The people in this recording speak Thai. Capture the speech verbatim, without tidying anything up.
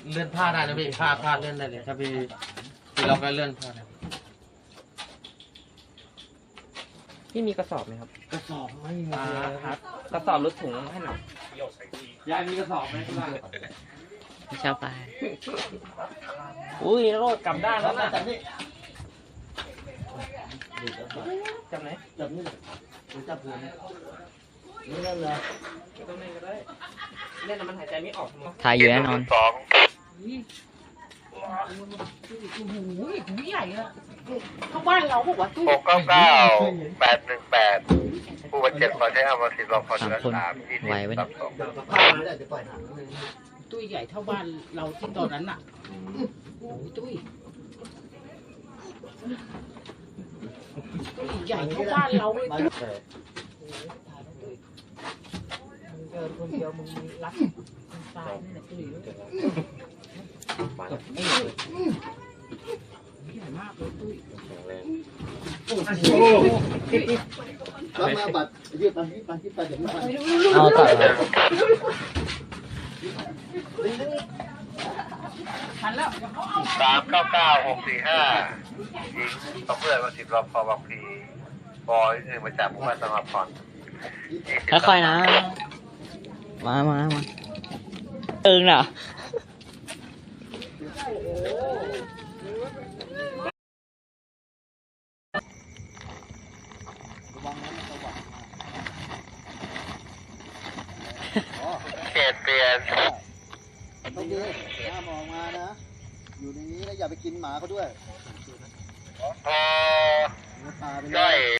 เลื่อนผ้าได้นะพี่ผ้าผ้าเลื่อนได้เลยถ้าพี่พี่เราก็เลื่อนผ้าได้พี่มีกระสอบไหมครับกระสอบไม่มีอ่าเลยครับกระสอบรถถุงให้หน่อยยายมีกระสอบไหมที่บ้านพี่ชาวไปอุ้ยโรดกลับด้านแล้วนะจับนี่จับไหนจับนี่หรือจับหัวนี่นี่นั่นเหรอตรงไหนก็ได้เล่นแล้วมันหายใจไม่ออกหมดถ่ายอยู่แน่นอนสองโอ้โหหูใหญ่อะเข้าบ้านเราบอกว่าตู้หกเก้าเก้าแปดหนึ่งแปดผู้บาดเจ็บขอใช้อาวุธสิบรองพอเดือนสามยี่สิบไหวไหมตับสองผ้าไม่ได้จะปล่อยถังนึงตู้ใหญ่เท่าบ้านเราที่ตอนนั้นน่ะโอ้ยตู้ตู้ใหญ่เท่าบ้านเราเลยตู้มึงเจอคนเดียวมึงรักคนตายนี่แหละตู้ใหญ่มากเลยตู้รับมาบัตรยืดไปยืดไปยืดไปเดี๋ยวไม่ไปเอาต่อทันแล้วสามเก้าเก้าหกสี่ห้าหญิงต้องเพื่อนมาสิบรองพอบางพีบอยหนึ่งมาจากผู้ว่าสมัครผ่อนค่อยๆนะ มามามาเอิงเหรอเขตเปลี่ยนต้องดีห้ามออกมานะ อยู่ในนี้แล้วอย่าไปกินหมาเขาด้วยพอเนื้อปลาไปเลย่อย ย